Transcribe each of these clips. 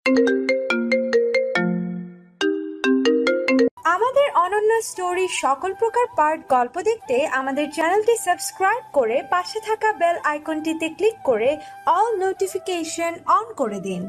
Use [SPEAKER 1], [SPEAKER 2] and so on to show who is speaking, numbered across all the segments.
[SPEAKER 1] আমাদের অনন্য স্টোরি সকল প্রকার পার্ট গল্প দেখতে আমাদের চ্যানেলটি সাবস্ক্রাইব করে পাশে থাকা বেল আইকনটিতে ক্লিক করে অল নোটিফিকেশন অন করে দিন।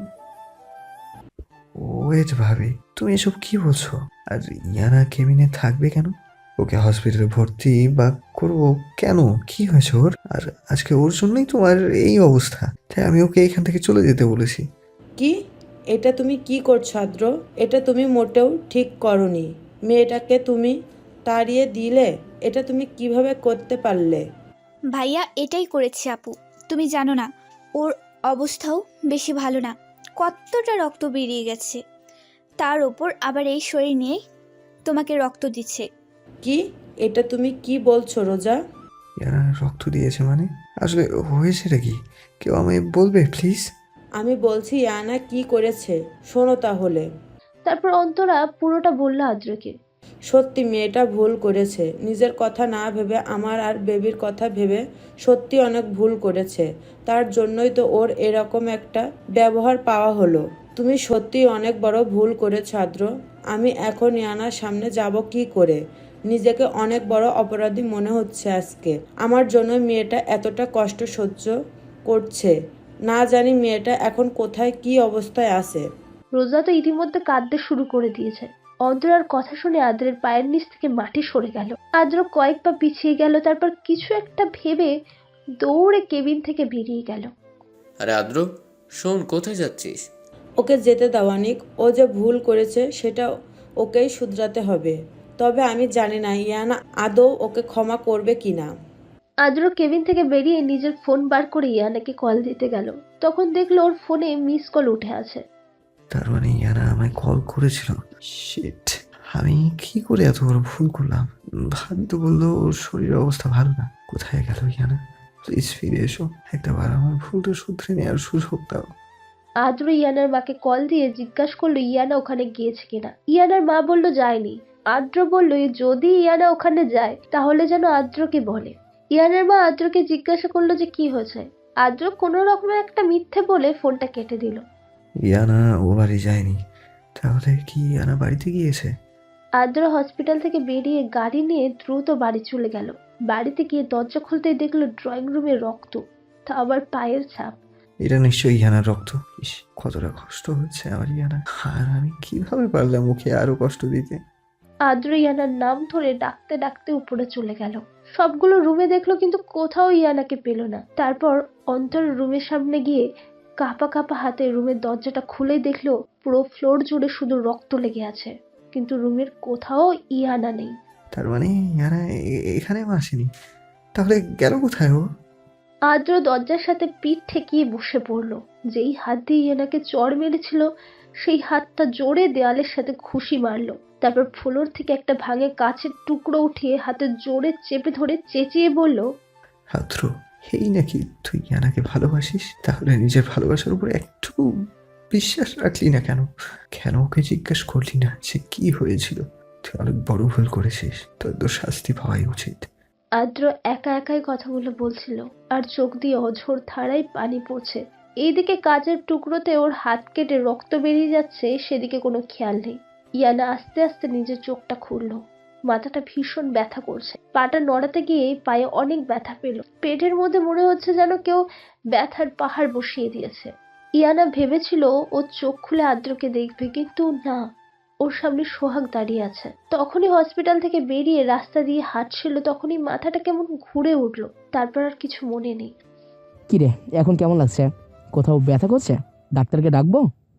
[SPEAKER 2] ওয়েট ভাবি, তুমি এসব কি বলছো? আর ইয়ানা কেবিনে থাকবে কেন? ওকে হসপিটালে ভর্তি বা করবো কেন? কি হয়েছে ওর? আর আজকে ওর জন্যই তোমার এই অবস্থা, তাই আমি ওকে এখান থেকে চলে যেতে বলেছি।
[SPEAKER 3] কি? এটা তুমি কি করছো আদ্র? এটা তুমি মোটেও ঠিক করনি। মেয়েটাকে তুমি তাড়িয়ে দিলে। এটা তুমি কিভাবে করতে পারলে?
[SPEAKER 4] ভাইয়া এটাই করেছে আপু। তুমি জানো না ওর অবস্থাও বেশি ভালো না, কতটা রক্ত বেরিয়ে গেছে, তার ওপর আবার এই শরীর নিয়ে তোমাকে রক্ত দিচ্ছে।
[SPEAKER 3] কি? এটা তুমি কি বলছো রোজা?
[SPEAKER 2] ইয়ানা রক্ত দিয়েছে মানে? আসলে হয়েছেটা কি? কেউ আমায় বলবে প্লিজ?
[SPEAKER 3] আমি বলছি ইয়ানা কি করেছে শোনো তাহলে।
[SPEAKER 5] তারপর অন্তরা পুরোটা বলল আদ্রকে।
[SPEAKER 3] সত্যি মেয়েটা ভুল করেছে, নিজের কথা না ভেবে আমার আর বেবির কথা ভেবে সত্যি অনেক ভুল করেছে। তার জন্যই তো ওর এরকম একটা ব্যবহার পাওয়া হলো। তুমি সত্যি অনেক বড় ভুল করেছো আদ্র। আমি এখন ইয়ানার সামনে যাব কি করে? নিজেকে অনেক বড় অপরাধী মনে হচ্ছে আজকে। আমার জন্য মেয়েটা এতটা কষ্ট সহ্য করছে, না জানি মেয়েটা এখন কোথায় কি অবস্থায় আছে।
[SPEAKER 5] রোজা তো ইতিমধ্যে কাঁদতে শুরু করে দিয়েছে। অন্তরার কথা শুনে আদ্রের পায়ের নিচ থেকে মাটি সরে গেল। আদ্র কয়েক পা পিছিয়ে গেল, তারপর কিছু একটা ভেবে দৌড়ে কেবিন থেকে বেরিয়ে গেল।
[SPEAKER 6] আরে আদ্র, শোন, কোথায় যাচ্ছিস?
[SPEAKER 3] ওকে যেতে দাও অনিক। ও যে ভুল করেছে সেটা ওকেই শুধরাতে হবে। তবে আমি জানি না ইয়ানা আদৌ ওকে ক্ষমা করবে কিনা।
[SPEAKER 5] আদ্র কেবিন থেকে বেরিয়ে নিজের ফোন বার করে ইয়ানাকে কল দিতে গেল। তখন দেখলো ওর ফোনে মিস কল উঠে আছে।
[SPEAKER 2] তার মানে ইয়ানা আমায় কল করেছিল? শিট, আমি কি করে এত বড় ভুল করলাম? ভাবি তো বললো ওর শরীরের অবস্থা ভালো না। কোথায় গেল ইয়ানা? প্লিজ ফিরে এসো, একটাবার আমার ভুলটা শুধরে নেওয়ার সুযোগ দাও।
[SPEAKER 5] আদ্র ইয়ানার মাকে কল দিয়ে জিজ্ঞাসা করলো ইয়ানা ওখানে গিয়েছে কিনা। ইয়ানার মা বলল যায়নি। আদ্র বলল যদি ইয়ানা ওখানে যায় তাহলে যেন আদ্রকে বলে। ইয়ানার মা আদ্রকে জিজ্ঞাসা করলো যে কি হয়েছে। আদ্র কোনো রকমের একটা মিথ্যে বলে ফোনটা কেটে দিল।
[SPEAKER 2] ইয়ানা ও বাড়ি যায়নি, তাহলে কি ইয়ানা বাড়িতে গিয়েছে?
[SPEAKER 5] আদ্র হসপিটাল থেকে বেরিয়ে গাড়ি নিয়ে দ্রুত বাড়ি চলে গেল। বাড়িতে গিয়ে দরজা খুলতেই দেখলো ড্রয়িং রুমে রক্ত, তা আবার পায়ের ছাপ।
[SPEAKER 2] এটা নিশ্চয়ই ইয়ানার রক্ত। ইস, কতটা কষ্ট হচ্ছে আমার ইয়ানা। আর আমি কিভাবে পারলাম ওকে আরো কষ্ট দিতে?
[SPEAKER 5] আদ্র ইয়ানার নাম ধরে ডাকতে ডাকতে উপরে চলে গেল। সবগুলো রুমে দেখলো কিন্তু কোথাও ইয়ানাকে পেল না। তারপর অন্তর রুমের সামনে গিয়ে কাঁপা কাঁপা হাতে রুমের দরজাটা খুলেই দেখলো পুরো ফ্লোর জুড়ে শুধু রক্ত লেগে আছে, কিন্তু রুমের কোথাও ইয়ানা নেই।
[SPEAKER 2] তার মানে ইয়ানা এখানেও আসেনি, তাহলে গেল কোথায় ও?
[SPEAKER 5] আদ্র দরজার সাথে পিঠ ঠেকিয়ে বসে পড়লো। যেই হাত দিয়ে ইয়ানাকে চড় মেরেছিল সেই হাতটা জোরে দেয়ালের সাথে ঘুষি মারলো। তারপর ফ্লোর থেকে একটা ভাঙে কাঁচের টুকরো উঠিয়ে হাতে জোরে চেপে ধরে চেঁচিয়ে বলল,
[SPEAKER 2] হাত্র, এই নাকি তুই ইয়ানাকে ভালোবাসিস? তাহলে নিজের ভালোবাসার উপর একটু বিশ্বাস রাখলি না কেন? কেন ওকে জিজ্ঞেস করলি না সে কি হয়েছিল? তুই অনেক বড় ভুল করেছিস, তোর তো শাস্তি পাওয়াই উচিত।
[SPEAKER 5] আদ্র একা একাই কথাগুলো বলছিল আর চোখ দিয়ে অঝোর ধারায় পানি পড়ছে। এইদিকে কাচের টুকরোতে ওর হাত কেটে রক্ত বেরিয়ে যাচ্ছে, সেদিকে কোনো খেয়াল নেই। ইয়ানা আস্তে আস্তে নিজের চোখটা খুললো। মাথাটা ভীষণ ব্যথা করছে। পাটা নড়াতে গিয়ে পায়ে অনেক ব্যথা পেল। পেটের মধ্যে মনে হচ্ছে যেন কেউ ব্যথার পাহাড় বসিয়ে দিয়েছে। ইয়ানা ভেবেছিল ও চোখ খুলে আদ্রকে দেখবে, কিন্তু না, ওর সামনে সোহাগ দাঁড়িয়ে আছে। তখনই হসপিটাল থেকে বেরিয়ে রাস্তা দিয়ে হাঁটছিল, তখনই মাথাটা কেমন ঘুরে উঠলো। তারপর আর কিছু মনে নেই।
[SPEAKER 7] কিরে, এখন কেমন লাগছে? কোথাও ব্যথা করছে? ডাক্তারকে ডাকবো?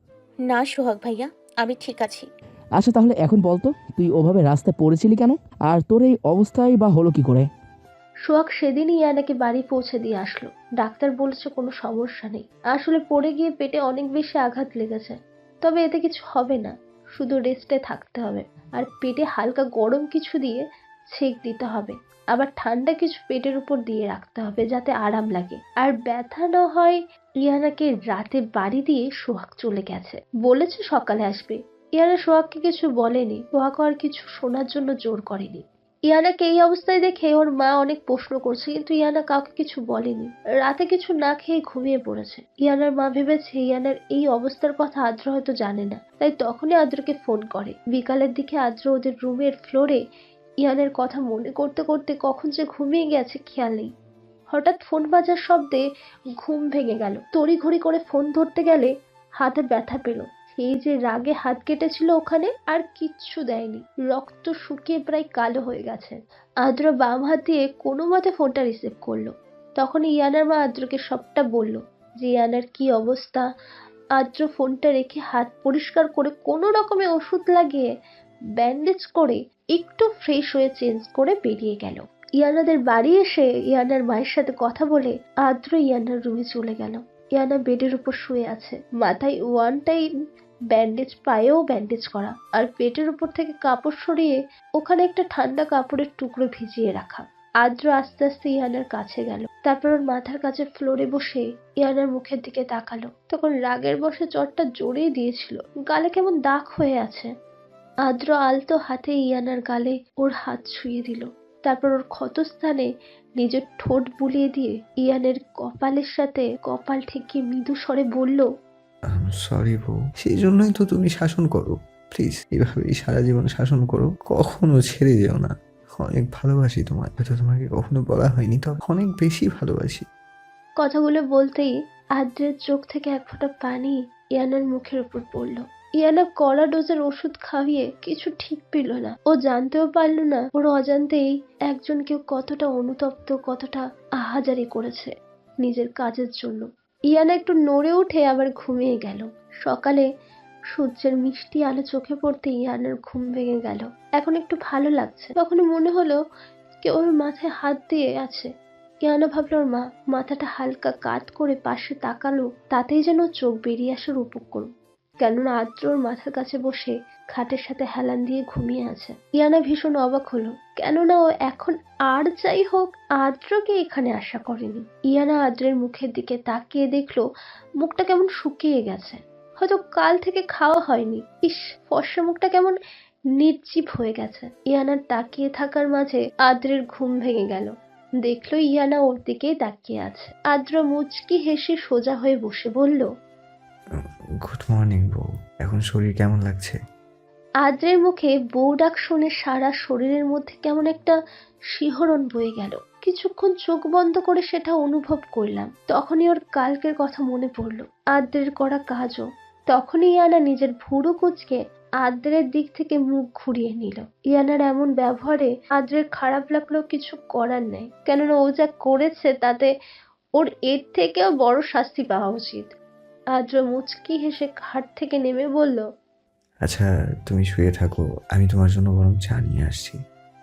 [SPEAKER 8] না সোহাগ ভাইয়া, আমি ঠিক আছি।
[SPEAKER 7] আচ্ছা তাহলে এখন বলতো, তুই ওভাবে রাস্তায় পড়েছিলি কেন? আর তোর এই অবস্থায় বা হলো কি করে?
[SPEAKER 5] সোহাগ সেদিনই ইয়ানাকে বাড়ি পৌঁছে দিয়ে আসলো। ডাক্তার বলেছে কোনো সমস্যা নেই, আসলে পড়ে গিয়ে পেটে অনেক বেশি আঘাত লেগেছে। তবে এতে কিছু হবে না, শুধু রেস্টে থাকতে হবে। আর পেটে হালকা গরম কিছু দিয়ে ছেঁক দিতে হবে, আবার ঠান্ডা কিছু পেটের উপর দিয়ে রাখতে হবে যাতে আরাম লাগে আর ব্যথা না হয়। ইয়ানাকে রাতে বাড়ি দিয়ে সোহাগ চলে গেছে, বলেছে সকালে আসবে। ইয়ানা সোহাগকে কিছু বলেনি, সোহাগ আর কিছু শোনার জন্য জোর করেনি। ইয়ানাকে এই অবস্থায় দেখে ওর মা অনেক প্রশ্ন করছে, কিন্তু ইয়ানা কাউকে কিছু বলেনি। রাতে কিছু না খেয়ে ঘুমিয়ে পড়েছে। ইয়ানার মা ভেবেছে ইয়ানার এই অবস্থার কথা আদ্র হয়তো জানে না, তাই তখনই আদ্রকে ফোন করে। বিকালের দিকে আদ্র ওদের রুমের ফ্লোরে ইয়ানের কথা মনে করতে করতে কখন যে ঘুমিয়ে গেছে খেয়াল নেই। হঠাৎ ফোন বাজার শব্দে ঘুম ভেঙে গেল। তড়িঘড়ি করে ফোন ধরতে গেলে হাতে ব্যথা পেল। এই যে রাগে হাত কেটেছিল ওখানে আর কিচ্ছু দেয়নি, রক্ত শুকিয়ে প্রায় কালো হয়ে গেছে। আদ্র বাম হাত দিয়ে কোনো মতে ফোনটা রিসিভ করলো। তখন ইয়ানার মা আদ্রকে সবটা বলল যে ইয়ানার কি অবস্থা। আদ্র ফোনটা রেখে হাত পরিষ্কার করে কোনো রকমে ওষুধ লাগিয়ে ব্যান্ডেজ করে একটু ফ্রেশ হয়ে চেঞ্জ করে বেরিয়ে গেল। ইয়ানাদের বাড়ি এসে ইয়ানার মায়ের সাথে কথা বলে আদ্র ইয়ানার রুমে চলে গেল। ইয়ানা বেডের উপর শুয়ে আছে, মাথায় ওয়ান টাইম ব্যান্ডেজ, পায়েও ব্যান্ডেজ করা, আর পেটের উপর থেকে কাপড় সরিয়ে ওখানে একটা ঠান্ডা কাপড়ের টুকরো ভিজিয়ে রাখা। আদ্র আস্তে আস্তে ইয়ানার কাছে গেল, তারপর ওর মাথার কাছে ফ্লোরে বসে ইয়ানার মুখের দিকে তাকালো। তখন রাগের বশে জ্বরটা জোরেই দিয়েছিল, গালে কেমন দাগ হয়ে আছে। আদ্র আলতো হাতে ইয়ানার গালে ওর হাত ছুঁয়ে দিল, তারপর ওর ক্ষতস্থানে নিজের ঠোঁট বুলিয়ে দিয়ে ইয়ানের কপালের সাথে কপাল ঠেকিয়ে মৃদু স্বরে বলল,
[SPEAKER 2] সরি বউ, সেই জন্যই তো তুমি শাসন করো। প্লিজ এভাবেই সারা জীবন শাসন করো, কখনো ছেড়ে যেও না। অনেক ভালোবাসি তোমায়, হয়তো তোমাকে কখনো বলা হয়নি, তবে অনেক বেশি ভালোবাসি।
[SPEAKER 5] কথাগুলো বলতেই আদ্রের চোখ থেকে এক ফোঁটা পানি ইয়ানার মুখের উপর পড়ল। ইয়ানা কড়া ডোজের ওষুধ খাইয়ে কিছু ঠিক পেল না। ও জানতেও পারল না ওর অজান্তেই একজন কেউ কতটা অনুতপ্ত, কতটা আহাজারি করেছে নিজের কাজের জন্য। ইয়ানা একটু নড়ে উঠে আবার ঘুমিয়ে গেল। সকালে সূর্যের মিষ্টি আলো চোখে পড়তে ইয়ানার ঘুম ভেঙে গেল। এখন একটু ভালো লাগছে। তখন মনে হলো কেউ ওর মাথায় হাত দিয়ে আছে। ইয়ানা ভাবলো ওর মা। মাথাটা হালকা কাত করে পাশে তাকালো, তাতেই যেন চোখ বেরিয়ে আসার উপক্রম। কেননা আদ্র ওর মাথার কাছে বসে খাটের সাথে হেলান দিয়ে ঘুমিয়ে আছে। ইয়ানা ভীষণ অবাক হলো, কেননা ও এখন আর যাই হোক আদ্রকে এখানে আশা করেনি। ইয়ানা আদ্রের মুখের দিকে তাকিয়ে দেখলো মুখটা কেমন শুকিয়ে গেছে, হয়তো কাল থেকে খাওয়া হয়নি। ইস, ফর্সা মুখটা কেমন নির্জীব হয়ে গেছে। ইয়ানার তাকিয়ে থাকার মাঝে আদ্রের ঘুম ভেঙে গেল। দেখলো ইয়ানা ওর দিকেই তাকিয়ে আছে। আদ্র মুচকি হেসে সোজা হয়ে বসে বলল,
[SPEAKER 2] গুড মর্নিং বউ, এখন শরীর কেমন লাগছে?
[SPEAKER 5] আদ্রের মুখে বউ ডাক শুনে সারা শরীরের মধ্যে কেমন একটা শিহরণ বয়ে গেল। কিছুক্ষণ চোখ বন্ধ করে সেটা অনুভব করলাম। তখনই ওর কালকের কথা মনে পড়লো, আদ্রের করা কাজও। তখনই ইয়ানা নিজের ভুরু কুঁচকে আদ্রের দিক থেকে মুখ ঘুরিয়ে নিল। ইয়ানার এমন ব্যবহারে আদ্রের খারাপ লাগলেও কিছু করার নেই, কেননা ও যা করেছে তাতে ওর এর থেকেও বড় শাস্তি পাওয়া উচিত। আদ্র মুচকি হেসে খাট থেকে নেমে বলল,
[SPEAKER 2] আচ্ছা তুমি শুয়ে থাকো, আমি তোমার জন্য বরং চা নিয়ে আসছি।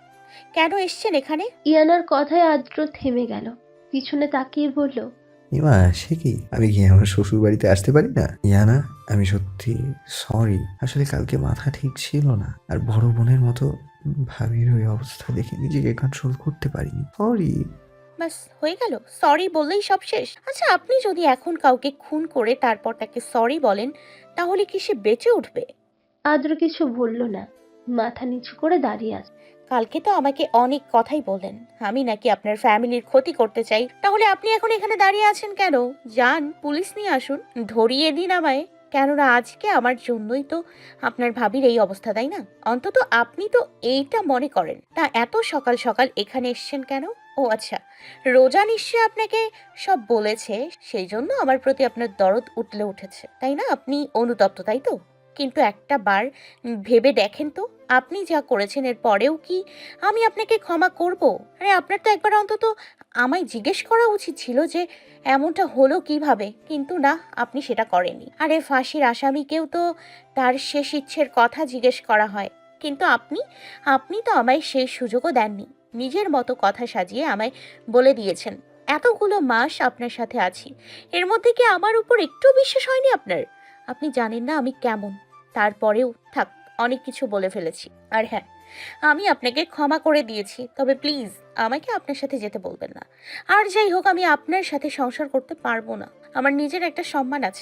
[SPEAKER 8] কেন এসছেন এখানে?
[SPEAKER 5] ইয়ানার কথায় আদ্র থেমে গেল, পিছনে তাকিয়ে বলল,
[SPEAKER 2] ইমা, সে কি, আমি কি আমার শ্বশুর বাড়িতে আসতে পারি না? ইয়ানা, আমি সত্যি সরি, আসলে কালকে মাথা ঠিক ছিল না, আর বড় বোনের মতো ভাবির ওই অবস্থা দেখে নিজেকে কন্ট্রোল করতে পারিনি, সরি।
[SPEAKER 8] বাস হয়ে গেল, সরি বললেই সব শেষ? আচ্ছা, আপনি যদি এখন কাউকে খুন করে তারপর তাকে সরি বলেন, তাহলে কি সে বেঁচে উঠবে?
[SPEAKER 5] আদ্র কিছু বলল না, মাথা নিচু করে দাঁড়িয়ে আছে।
[SPEAKER 8] কালকে তো আমাকে অনেক কথাই বললেন, আমি নাকি আপনার ফ্যামিলির ক্ষতি করতে চাই। তাহলে আপনি এখন এখানে দাঁড়িয়ে আছেন কেন? যান, পুলিশ নিয়ে আসুন, ধরিয়ে দিন আমায়। কেননা আজকে আমার জন্যই তো আপনার ভাবির এই অবস্থা, তাই না? অন্তত আপনি তো এইটা মনে করেন। তা এত সকাল সকাল এখানে এসছেন কেন? ও আচ্ছা, রোজা নিশ্চয়ই আপনাকে সব বলেছে, সেই জন্য আমার প্রতি আপনার দরদ উঠলে উঠেছে, তাই না? আপনি অনুতপ্ত, তাই তো? কিন্তু একটা বার ভেবে দেখেন তো, আপনি যা করেছেন এর পরেও কি আমি আপনাকে ক্ষমা করব? আরে আপনার তো একবার অন্তত আমায় জিজ্ঞেস করা উচিত ছিল যে এমনটা হলো কিভাবে, কিন্তু না, আপনি সেটা করেননি। আরে ফাঁসির আসামিকেও তো তার শেষ ইচ্ছের কথা জিজ্ঞেস করা হয়, কিন্তু আপনি তো আমায় সেই সুযোগও দেননি। নিজের মতো কথা সাজিয়ে আমায় বলে দিয়েছেন এতগুলো মাস আপনার সাথে আছি, এর মধ্যে কি আমার উপর একটু বিশ্বাস হয়নি আপনার? আপনি জানেন না আমি কেমন। তারপরেও থাক, অনেক কিছু বলে ফেলেছি। আর হ্যাঁ, আমি আপনাকে ক্ষমা করে দিয়েছি, তবে প্লিজ আমাকে আপনার সাথে যেতে বলবেন না। আর যাই হোক, আমি আপনার সাথে সংসার করতে পারবো না। আমার নিজের একটা সম্মান আছে,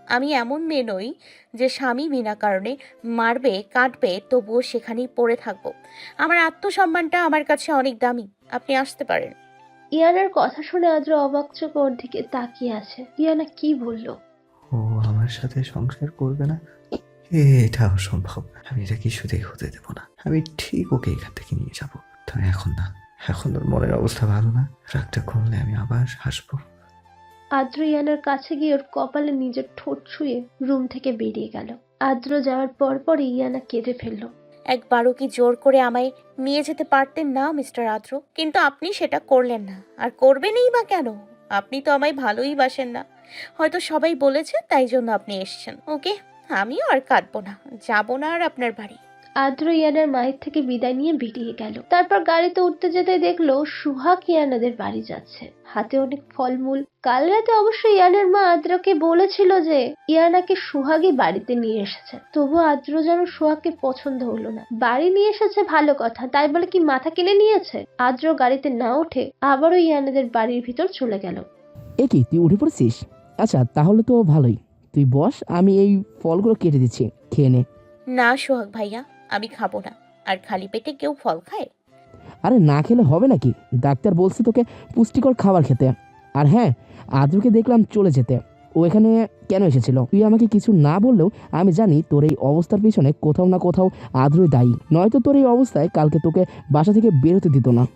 [SPEAKER 8] আমি এমন মেয়ে নই যে স্বামী বিনা কারণে মারবে কাটবে তবুও সেখানেই পড়ে থাকবো। আমার আত্মসম্মানটা আমার কাছে অনেক দামি। আপনি আসতে পারেন।
[SPEAKER 5] ইয়ানার কথা শুনে আদ্র অবাক চোখে ওর দিকে তাকিয়ে আছে। ইয়ানা কি বলল?
[SPEAKER 2] ও আমার সাথে সংসার করবে না? এটা অসম্ভব। আমি এটা কিছুতেই হতে দেবো না। আমি ঠিক ওকে এখান থেকে নিয়ে যাব। তবে এখন না, এখন ওর মনের অবস্থা ভালো না। রাগটা কমলে আমি আবার হাসবো।
[SPEAKER 5] আদ্র ইয়ানার কাছে গিয়ে ওর কপালে নিজের ঠোঁট ছুঁয়ে রুম থেকে বেরিয়ে গেল। আদ্র যাওয়ার পরই ইয়ানা কেঁদে ফেলল।
[SPEAKER 8] একবারও কি জোর করে আমায় নিয়ে যেতে পারতেন না মিস্টার আদ্র? কিন্তু আপনি সেটা করলেন না, আর করবেনই বা কেন? আপনি তো আমায় ভালোই বাসেন না। হয়তো সবাই বলেছে তাই জন্য আপনি এসেছেন। ওকে, আমিও আর কাঁদবো না, যাবো না আর আপনার বাড়ি।
[SPEAKER 5] আদ্র ইয়ানার মায়ের থেকে বিদায় নিয়ে বেরিয়ে গেল। তারপর গাড়িতে উঠতে যেতে দেখলো সুহাগ ইয়ানাদের বাড়ি যাচ্ছে, হাতে অনেক ফলমূল। কাল রাতে অবশ্য ইয়ানার মা আদ্রকে বলেছিল যে ইয়ানাকে সুহাগই বাড়িতে নিয়ে এসেছে, তবু আদ্র যেন সুহাগকে পছন্দ হলো না। বাড়ি নিয়ে এসেছে ভালো কথা, তাই বলে কি মাথা কিনে নিয়েছে? আদ্র গাড়িতে না উঠে আবারও ইয়ানাদের বাড়ির ভিতর চলে গেল।
[SPEAKER 7] এ কি, তুই উঠে পড়েছিস? আচ্ছা, তাহলে তো ভালোই। তুই বস, আমি এই ফলগুলো কেটে দিচ্ছি, খেয়ে নে।
[SPEAKER 8] না সোহাগ ভাইয়া, আমি খাবো না। আর খালি পেটে কেউ ফল খায়?
[SPEAKER 7] আরে না খেলে হবে নাকি? ডাক্তার বলছে তোকে পুষ্টিকর খাবার খেতে। আর হ্যাঁ, আদ্রকে দেখলাম চলে যেতে। ও এখানে কেন এসেছিল? তুই আমাকে কিছু না বললেও আমি জানি তোর এই অবস্থার পিছনে কোথাও না কোথাও আদ্রই দায়ী। নয়তো তোর এই অবস্থায় কালকে তোকে বাসা থেকে বেরোতে দিত না।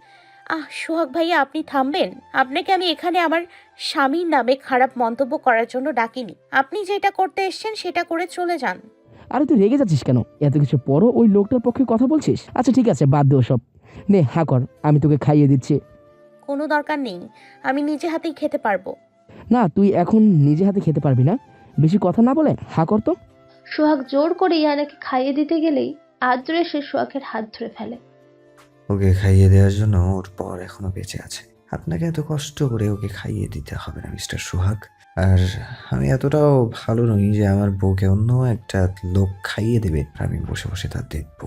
[SPEAKER 8] সোহাগ ভাইয়া, আপনি থামবেন। আপনাকে আমি এখানে আমার স্বামীর নামে খারাপ মন্তব্য করার জন্য ডাকিনি। আপনি যেটা করতে এসেছেন সেটা করে চলে যান।
[SPEAKER 7] আরে তুই রেগে যাচ্ছিস কেন? এত কিছু পরও ওই লোকটার পক্ষে কথা বলছিস? আচ্ছা ঠিক আছে, বাদ দে ওসব। নে হা কর, আমি তোকে খাইয়ে দিচ্ছি।
[SPEAKER 8] কোনো দরকার নেই, আমি নিজে হাতেই খেতে পারবো।
[SPEAKER 7] না, তুই এখন নিজে হাতে খেতে পারবি না। বেশি কথা না বলে হা কর তো।
[SPEAKER 5] সোহাগ জোর করে ইয়ানাকে খাইয়ে দিতে গেলেই আদ্র এসে সোহাগের হাত ধরে ফেলে।
[SPEAKER 2] ওকে খাইয়ে দেওয়ার জন্য ওর পর এখনো বেঁচে আছে। আপনাকে এত কষ্ট করে ওকে খাইয়ে দিতে হবে না মিস্টার সোহাগ। আর আমি এতটাও ভালো নই যে আমার বউকে অন্য একটা লোক খাইয়ে দেবে আর আমি বসে বসে তা দেখবো।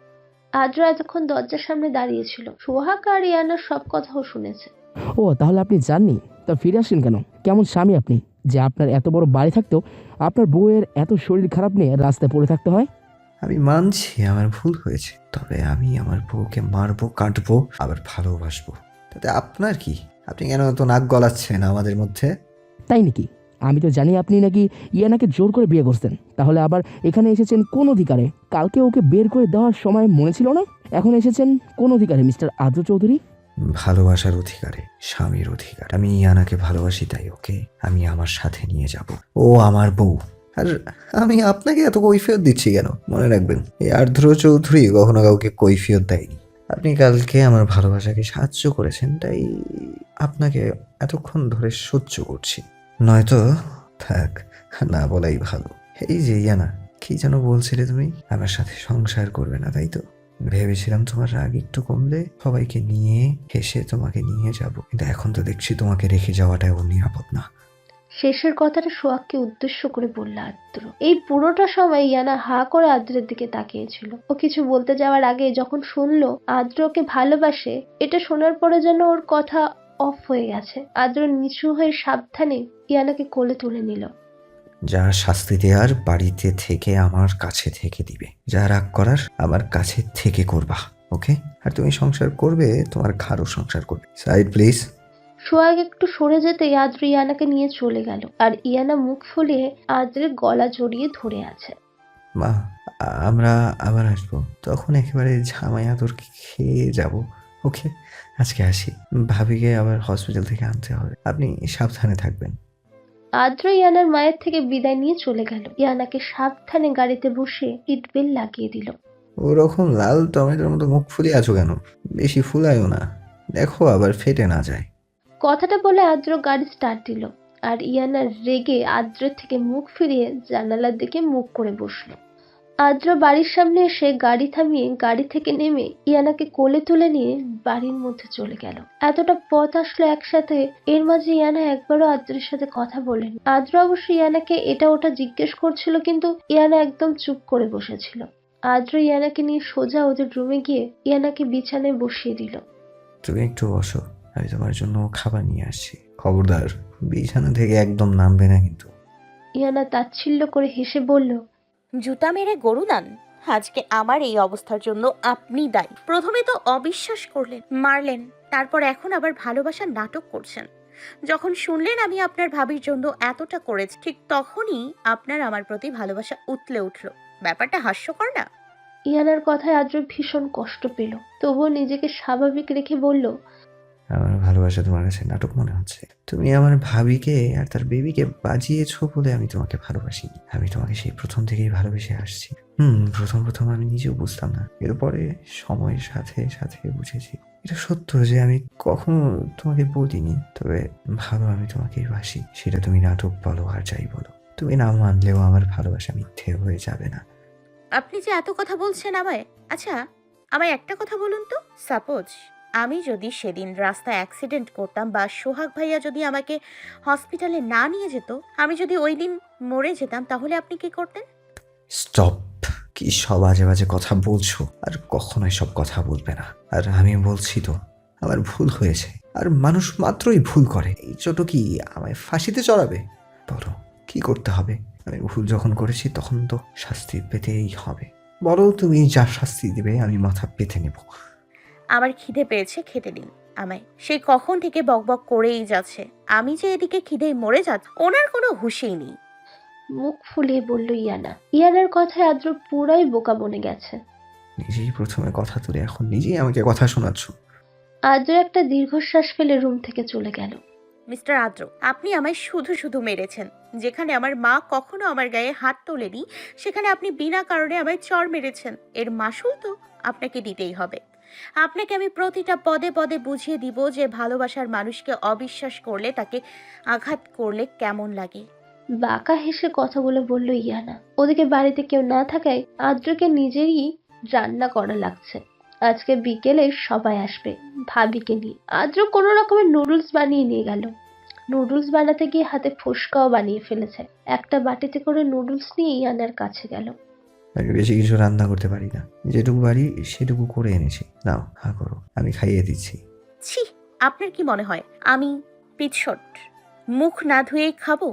[SPEAKER 5] আদ্র এতক্ষণ দরজার সামনে দাঁড়িয়েছিল। সোহাগ আর ইয়ানার সব কথাও শুনেছে।
[SPEAKER 7] ও, তাহলে আপনি জাননি? তা ফিরে আসলেন কেন? কেমন স্বামী আপনি যে আপনার এত বড় বাড়ি থাকতেও আপনার বউয়ের এত শরীর খারাপ নিয়ে রাস্তায় পড়ে থাকতে হয়?
[SPEAKER 2] আমি মানছি আমার ভুল হয়েছে, তবে আমি আমার বউকে মারবো, কাটবো, আবার ভালোবাসবো। তাতে আপনার কি? আপনি কেন এত নাক গলাচ্ছেন আমাদের মধ্যে?
[SPEAKER 7] তাই নাকি? আমি তো জানি আপনি নাকি ইয়ানাকে জোর করে বিয়ে করছেন। তাহলে আবার এখানে এসেছেন কোন অধিকারে? কালকে ওকে বের করে দেওয়ার সময় মনে ছিল না? এখন এসেছেন কোন অধিকারে মিস্টার আদ্র চৌধুরী?
[SPEAKER 2] ভালোবাসার অধিকারে, স্বামীর অধিকার। আমি ইয়ানাকে ভালোবাসি, তাই ওকে আমি আমার সাথে নিয়ে যাব। ও আমার বউ। আর আমি আপনাকে এত কৈফিয়ত দিচ্ছি কেন? মনে রাখবেন, এই আর্দ্র চৌধুরী কখনো কাউকে কৈফিয়ত দেয়নি। আপনি কালকে আমার ভালোবাসাকে সাহায্য করেছেন, তাই আপনাকে এতক্ষণ ধরে সহ্য করছি। নয়তো থাক, না বলাই ভালো। এই যে ইয়ানা, কি যেন বলছিলে তুমি? আমার সাথে সংসার করবে না, তাই তো? ভেবেছিলাম তোমার রাগ একটু কমলে সবাইকে নিয়ে হেসে তোমাকে নিয়ে যাব, কিন্তু এখন তো দেখছি তোমাকে রেখে যাওয়াটাও নিরাপদ না।
[SPEAKER 5] শেষের কথাটা সোহাগকে উদ্দেশ্য করে বলল আদ্র। এই পুরোটা সময় ইয়ানা হা করে আদ্রের দিকে তাকিয়েছিল। ও কিছু বলতে যাওয়ার আগে যখন শুনলো আদ্র ওকে ভালোবাসে, এটা শোনার পরে যেন ওর কথা অফ হয়ে গেছে। আদ্র নিচু হয়ে সাবধানে ইয়ানাকে কোলে তুলে নিল।
[SPEAKER 2] যা শাস্তি দেওয়ার বাড়িতে থেকে আমার কাছে থেকে দিবে, যা রাগ করার আমার কাছে থেকে করবা, ওকে? আর তুমি সংসার করবে, তোমার ঘাড়ও সংসার করবে। Side please.
[SPEAKER 5] সোহাগ একটু সরে যেতেই আদ্র ইয়ানাকে নিয়ে চলে গেল, আর ইয়ানা মুখ ফুলিয়ে আদ্রের গলা জড়িয়ে ধরে আছে।
[SPEAKER 2] মা, আমরা আবার আসবো, তখন একেবারে ঝামাইয়া তোর খেয়ে যাব, ওকে? আজকে আসি, ভাবিকে আবার হসপিটাল থেকে আনতে হবে। আপনি সাবধানে থাকবেন।
[SPEAKER 5] আদ্র ইয়ানার মায়ের থেকে বিদায় নিয়ে চলে গেল। ইয়ানাকে সাবধানে গাড়িতে বসে সিট বেল্ট লাগিয়ে দিল।
[SPEAKER 2] ওরকম লাল টমেটোর মতো মুখ ফুলিয়ে আছো কেন? বেশি ফুলায়ও না, দেখো আবার ফেটে না যায়।
[SPEAKER 5] কথাটা বলে আদ্র গাড়ি স্টার্ট দিল, আর ইয়ানা রেগে আদ্রের থেকে মুখ ফিরিয়ে জানালার দিকে মুখ করে বসলো। আদ্র বাড়ির সামনে এসে গাড়ি থামিয়ে গাড়ি থেকে নেমে ইয়ানাকে কোলে তুলে নিয়ে বাড়ির মধ্যে চলে গেল। এতটা পথ আসলো একসাথে, এর মাঝে ইয়ানা একবারও আদ্রের সাথে কথা বলেনি। আদ্র অবশ্য ইয়ানাকে এটা ওটা জিজ্ঞেস করছিল, কিন্তু ইয়ানা একদম চুপ করে বসেছিল। আদ্র ইয়ানাকে নিয়ে সোজা ওদের রুমে গিয়ে ইয়ানাকে বিছানায় বসিয়ে দিল।
[SPEAKER 2] তুমি একটু বসো, আমি তোমার জন্য খাবার নিয়ে আসছি। খবরদার বিছানা থেকে একদম নামবে না কিন্তু।
[SPEAKER 5] ইয়ানা তাচ্ছিল্য করে হেসে বলল,
[SPEAKER 8] জুতা মেরে গরু দান। আজকে আমার এই অবস্থার জন্য আপনি দায়ী। প্রথমে তো অবিশ্বাস করলেন, মারলেন, তারপর এখন আবার ভালোবাসার নাটক করছেন। যখন শুনলেন আমি আপনার ভাবির জন্য এতটা করেছি, ঠিক তখনই আপনার আমার প্রতি ভালোবাসা উতলে উঠল। ব্যাপারটা হাস্যকর না?
[SPEAKER 5] ইয়ানার কথায় আদ্র ভীষণ কষ্ট পেল, তবুও নিজেকে স্বাভাবিক রেখে বলল,
[SPEAKER 2] আমার ভালোবাসা তোমার কাছে নাটক মনে হচ্ছে? তুমি আমার ভাবিকে আর তার বেবিকে বাজিয়েছো বলে আমি তোমাকে ভালোবাসিনি। আমি তোমাকে সেই প্রথম থেকেই ভালোবেসে আসছি। প্রথম আমি নিজেও বুঝতাম না, এরপরে সময়ের সাথে সাথে বুঝেছি। এটা সত্য যে আমি কখনো তোমাকে বলিনি, তবে ভালো আমি তোমাকেই বাসি। সেটা তুমি নাটক বলো আর যাই বলো, তুমি না মানলেও আমার ভালোবাসা মিথ্যে হয়ে যাবে না।
[SPEAKER 8] আপনি যে এত কথা বলছেন আমায়, আচ্ছা আমায় একটা কথা বলুন তো, সাপোজ আমি যদি সেদিন রাস্তায় অ্যাক্সিডেন্ট করতাম বা সোহাগ ভাইয়া যদি আমাকে হসপিটালে না নিয়ে যেত, আমি যদি ওই দিন মরে যেতাম, তাহলে আপনি কি করতেন?
[SPEAKER 2] স্টপ! কি সব আজে বাজে কথা বলছো, আর কখনো সব কথা বলবে না। আর আমি বলছি তো, আমার ভুল হয়েছে, আর মানুষ মাত্রই ভুল করে। এই ছোট কি আমায় ফাঁসিতে চড়াবে? বলো কি করতে হবে? আমি ভুল যখন করেছি তখন তো শাস্তি পেতেই হবে। বলো তুমি যা শাস্তি দিবে আমি মাথা পেতে নেব।
[SPEAKER 8] আমার খিদে পেয়েছে, খেতে দিন আমায়। সেই কখন থেকে বকবক করেই যাচ্ছে, আমি যে এদিকে খিদেই মরে যাচ্ছি ওনার কোনো হুঁশেই নেই।
[SPEAKER 5] মুখ ফুলিয়ে বলল ইয়ানা। ইয়ানার কথায় আদ্র পুরাই বোকা বনে গেছে।
[SPEAKER 2] নিজেই প্রথমে কথা তুলে এখন নিজেই আমাকে কথা শোনাচ্ছ।
[SPEAKER 5] আদ্র একটা দীর্ঘশ্বাস ফেলে রুম থেকে চলে গেল।
[SPEAKER 8] মিস্টার আদ্র, আপনি আমায় শুধু শুধু মেরেছেন। যেখানে আমার মা কখনো আমার গায়ে হাত তোলেনি, সেখানে আপনি বিনা কারণে আমায় চড় মেরেছেন। এর মাসুল তো আপনাকে দিতেই হবে। আপনাকে আমি প্রতিটা পদে পদে বুঝিয়ে দিব যে ভালোবাসার মানুষকে অবিশ্বাস করলে, তাকে আঘাত করলে কেমন লাগে।
[SPEAKER 5] বাঁকা হেসে কথাগুলো বলল ইয়ানা। ওদিকে বাড়িতে কেউ না থাকায় আদ্রকে নিজেরই রান্না করা লাগছে। আজকে বিকেলে সবাই আসবে ভাবিকে নিয়ে। আদ্র কোনো রকমের নুডলস বানিয়ে নিয়ে গেল। নুডলস বানাতে গিয়ে হাতে ফোসকাও বানিয়ে ফেলেছে। একটা বাটিতে করে নুডলস নিয়ে ইয়ানার কাছে গেল।
[SPEAKER 2] আমি বেশি কিছু রান্না করতে পারি না, যেটুকু পারি সেটুকু করে এনেছি, নাও হা করো, আমি খাইয়ে দিচ্ছি।
[SPEAKER 8] ছি, আপনার কি মনে হয় আমি পিছট? মুখ না ধুয়েই খাবো?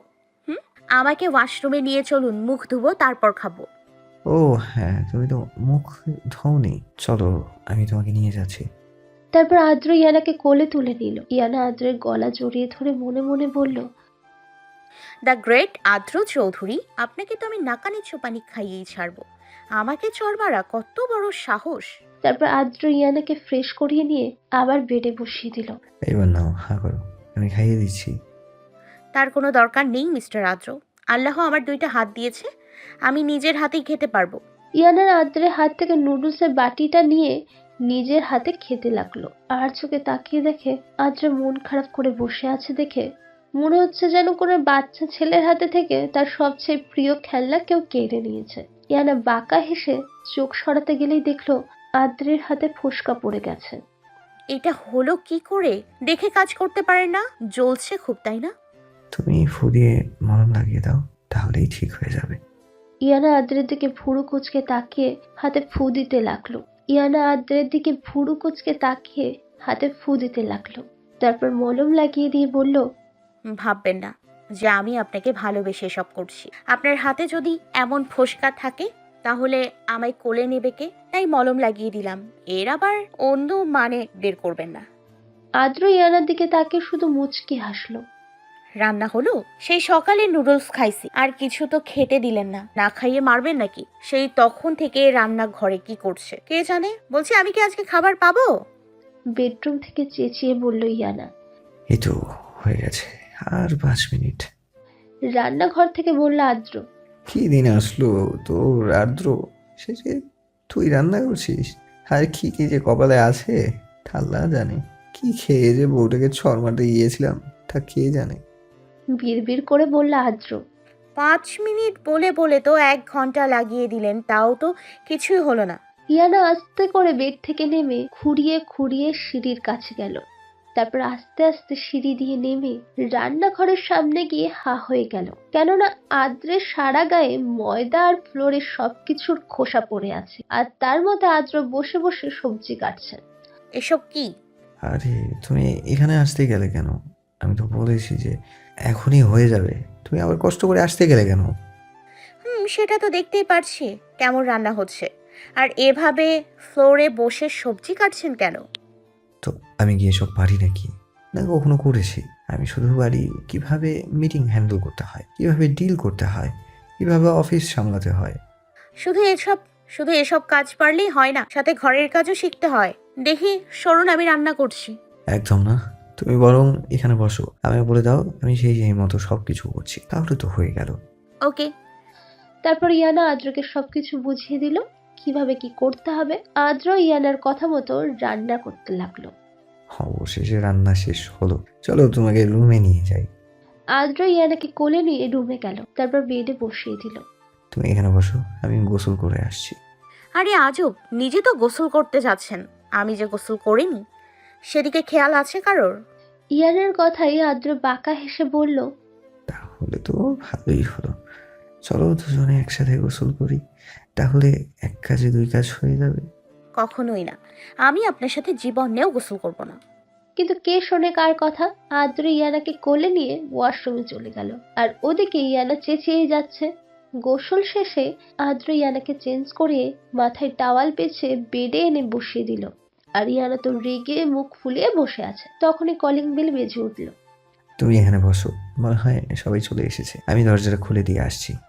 [SPEAKER 8] আমাকে ওয়াশরুমে নিয়ে চলুন, মুখ ধুবো তারপর খাবো।
[SPEAKER 2] ও হ্যাঁ, তুমি তো মুখ ধোওনি, চলো আমি তোমাকে নিয়ে যাচ্ছি।
[SPEAKER 5] তারপর আদ্র ইয়ানাকে কোলে তুলে নিল। ইয়ানা আদ্রের গলা জড়িয়ে ধরে মনে মনে বলল,
[SPEAKER 8] দ্য গ্রেট আদ্র চৌধুরী, আপনাকে তো আমি নাকানি চোপানি খাইয়েই ছাড়বো। আমাকে চড় মারা কত বড় সাহস!
[SPEAKER 5] তারপর আদ্র ইয়ানাকে ফ্রেশ করিয়ে নিয়ে আবার বেডে বসিয়ে দিল।
[SPEAKER 2] এবার নাও হা করো, আমি খাইয়ে দিচ্ছি।
[SPEAKER 8] তার কোনো দরকার নেই মিস্টার আদ্র। আল্লাহ আমার 2টা হাত দিয়েছে, আমি নিজের হাতেই খেতে পারবো।
[SPEAKER 5] ইয়ানার আদ্রের হাত থেকে নুডলসের বাটিটা নিয়ে নিজের হাতে খেতে লাগলো। আর চোখে তাকিয়ে দেখে আদ্র মন খারাপ করে বসে আছে দেখে মনে হচ্ছে যেন কোনো বাচ্চা ছেলের হাতে থেকে তার সবচেয়ে প্রিয় খেলনা কেউ কেড়ে নিয়েছে। ইয়ানা বাঁকা হেসে চোখ সরাতে গেলেই দেখলো আদ্রের হাতে ফোসকা পড়ে গেছে।
[SPEAKER 8] এটা হলো কি করে? দেখে কাজ করতে পারেন না? জ্বলছে খুব, তাই না?
[SPEAKER 2] তুমি ফু দিয়ে মলম লাগিয়ে দাও, তাহলেই ঠিক হয়ে যাবে।
[SPEAKER 5] ইয়ানা আদ্রের দিকে ভুরু কুচকে তাকিয়ে হাতে ফু দিতে লাগলো। ইয়ানা আদ্রের দিকে ভুরু কুচকে তাকিয়ে হাতে ফু দিতে লাগলো। তারপর মলম লাগিয়ে দিয়ে বলল,
[SPEAKER 8] ভাববেন না যে আমি আপনাকে ভালোবেসে সব করছি। আপনার হাতে যদি এমন ফোসকা থাকে তাহলে আমায় কোলে নেবে কে? তাই মলম লাগিয়ে দিলাম। এর আবার অন্য মানে বের করবেন না।
[SPEAKER 5] আদ্র ইয়ানার দিকে তাকিয়ে শুধু মুচকি হাসলো।
[SPEAKER 8] রান্না হলো? সেই সকালে নুডলস খাইছি, আর কিছু তো খেতে দিলেন না। না খাইয়ে মারবেন নাকি? সেই তখন থেকে রান্না ঘরে কি করছে কে জানে। বলছি আমি কি আজকে খাবার পাবো?
[SPEAKER 5] বেডরুম থেকে চেঁচিয়ে বলল ইয়ানা।
[SPEAKER 2] এই তো হয়ে গেছে, আর 5 মিনিট।
[SPEAKER 5] রান্নাঘর থেকে বলল আদ্র।
[SPEAKER 2] কি দিন আসলো তোর আর্দ্র, সে যে তুই রান্না করছিস? আর কি কি যে কপালে আছে আল্লাহ জানে। কি খেয়ে যে বউটাকে ছড় মারতে গিয়েছিলাম তা কে জানে।
[SPEAKER 5] বিড়বিড় করে বলল আদ্র।
[SPEAKER 8] 5 মিনিট বলে বলে তো 1 ঘন্টা লাগিয়ে দিলেন, তাও তো কিছুই হলো না।
[SPEAKER 5] ইয়ানা আস্তে করে বেড থেকে নেমে খুঁড়িয়ে খুঁড়িয়ে সিঁড়ির কাছে গেল। তারপর আস্তে আস্তে সিঁড়ি দিয়ে নেমে রান্নাঘরের সামনে গিয়ে হা হয়ে গেল। কেননা আদ্রের সারা গায়ে ময়দা আর ফ্লোরের সবকিছুর খোসা পড়ে আছে, আর তার মধ্যে আদ্র বসে বসে সবজি কাটছে।
[SPEAKER 8] এসব কি?
[SPEAKER 2] আরে তুমি এখানে আসতে গেলে কেন? আমি তো বলেছি যে এখনই হয়ে যাবে। তুমি আবার কষ্ট করে আসতে গেলে কেন?
[SPEAKER 8] সেটা তো দেখতেই পারছি কেমন রান্না হচ্ছে। আর এভাবে ফ্লোরে বসে সবজি কাটছেন কেন?
[SPEAKER 2] তো আমি গিয়ে সব পারি নাকি? না কখনো করেছি। আমি শুধু পারি কিভাবে মিটিং হ্যান্ডেল করতে হয়, কিভাবে ডিল করতে হয়, কিভাবে অফিস সামলাতে হয়।
[SPEAKER 8] শুধু এসব কাজ পারলেই হয় না, সাথে ঘরের কাজও শিখতে হয়। দেখি সরুন, আমি রান্না করছি।
[SPEAKER 2] একদম না। তুমি বরং এখানে বসো, আমাকে বলে দাও আমি সেই মতো সব কিছু করছি, তাহলে তো হয়ে গেল।
[SPEAKER 8] ওকে।
[SPEAKER 5] তারপর ইয়ানা আদ্রকে সবকিছু বুঝিয়ে দিল কিভাবে কি করতে হবে। আদ্র ইয়ানার কথা মতো রান্না করতে লাগলো।
[SPEAKER 2] অবশেষে রান্না শেষ হলো, চলো তোমাকে রুমে নিয়ে যাই।
[SPEAKER 5] আদ্র ইয়ানাকে কোলে নিয়ে রুমে গেল, তারপর বেডে বসিয়ে দিল।
[SPEAKER 2] তুমি এখানে বসো, আমি গোসল করে আসছি।
[SPEAKER 8] আরে আজব, নিজে তো গোসল করতে যাচ্ছেন, আমি যে গোসল করিনি সেদিকে খেয়াল আছে কারোর?
[SPEAKER 5] ইয়ানার কথাই আদ্র বাঁকা হেসে বলল,
[SPEAKER 2] তাহলে তো ভালোই হলো, চলো দুজনে একসাথে গোসল করি, তাহলে এক কাজে দুই কাজ হয়ে যাবে।
[SPEAKER 8] কখনোই না, আমি আপনার সাথে জীবনেও গোসল করব না।
[SPEAKER 5] কিন্তু কে শোনে কার কথা। আদ্র ইয়ানাকে কোলে নিয়ে ওয়াশরুমে চলে গেল, আর ওদিকে ইয়ানা চেঁচিয়ে যাচ্ছে। গোসল শেষে আদ্র ইয়ানাকে চেঞ্জ করে মাথায় টাওয়াল পেঁচে বেডে এনে বসিয়ে দিল। আর ইয়ানা তো রেগে মুখ ফুলিয়ে বসে আছে। তখনই কলিং বেল বেজে উঠল।
[SPEAKER 2] তুমি এখানে বসো, মনে হয় সবাই চলে এসেছে, আমি দরজাটা খুলে দিয়ে আসছি।